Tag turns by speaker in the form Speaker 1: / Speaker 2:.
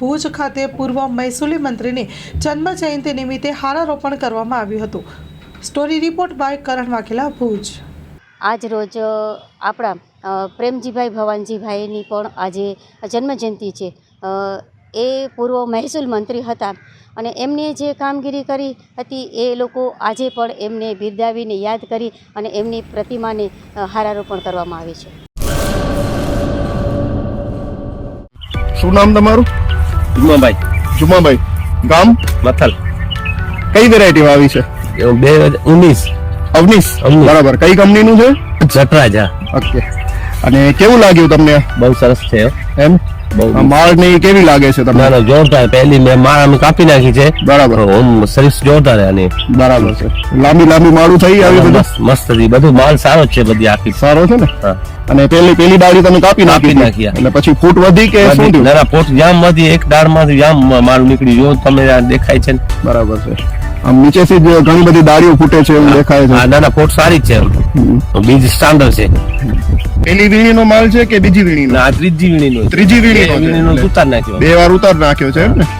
Speaker 1: ભુજ ખાતે પૂર્વ મહેસૂલી મંત્રીની જન્મ જયંતિ નિમિત્તે હારારોપણ કરવામાં આવ્યું હતું। Story report by Karan Vaghela, Bhuj.
Speaker 2: આજ રોજ આપણા પ્રેમજીભાઈ ભવાનજીભાઈની પણ આજે જન્મજયંતિ છે। એ પૂર્વ મહેસૂલ મંત્રી હતા અને એમને જે કામગીરી કરી હતી એ લોકો આજે પણ એમને બિરદાવીને યાદ કરી અને એમની પ્રતિમાને હારારોપણ કરવામાં આવે છે।
Speaker 3: શું નામ તમારું?
Speaker 4: જુમાભાઈ
Speaker 3: જુમાભાઈ, ગામ
Speaker 4: મથલ,
Speaker 3: કઈ વેરાયટી આવી છે?
Speaker 4: 2019
Speaker 3: અવનીશ, બરાબર। કઈ કંપનીનું છે?
Speaker 4: જટરાજા।
Speaker 3: ઓકે, અને કેવું લાગ્યું તમને?
Speaker 4: બહુ સરસ છે
Speaker 3: એમ
Speaker 4: બહુ
Speaker 3: માળ ને કેવી લાગે છે તમને?
Speaker 4: ના જોરદાર, પહેલી મેં માળ અમે કાપી નાખી છે,
Speaker 3: બરાબર।
Speaker 4: ઓમ સર્વિસ જોરદાર છે આની,
Speaker 3: બરાબર છે। લાંબી લાંબી માળું થઈ આવી બધું
Speaker 4: મસ્ત હતી, બધું માલ સારો છે, બધી આખી
Speaker 3: સારો છે ને?
Speaker 4: હા।
Speaker 3: અને પેલી ડાળી તમે કાપી નાખી
Speaker 4: નાખી,
Speaker 3: એટલે પછી ફૂટ વધી કે શું થયું?
Speaker 4: ના પોટ જામ માંથી એક દાળ માંથી જામ માલ નીકળી, જો તમે આ દેખાય છે ને?
Speaker 3: બરાબર છે। આમ નીચેથી જ ઘણી બધી ડાળીઓ ફૂટે છે એવું દેખાય છે।
Speaker 4: ના પોટ સારી જ છે, બીજ સ્ટાન્ડર્ડ છે।
Speaker 3: પેલી વીણીનો માલ છે કે બીજી વીણીનો?
Speaker 4: ના ત્રીજી વીણીનો,
Speaker 3: ત્રીજી વીણીનો
Speaker 4: ઉતાર નાખ્યો,
Speaker 3: 2 વાર ઉતાર નાખ્યો છે એમ ને?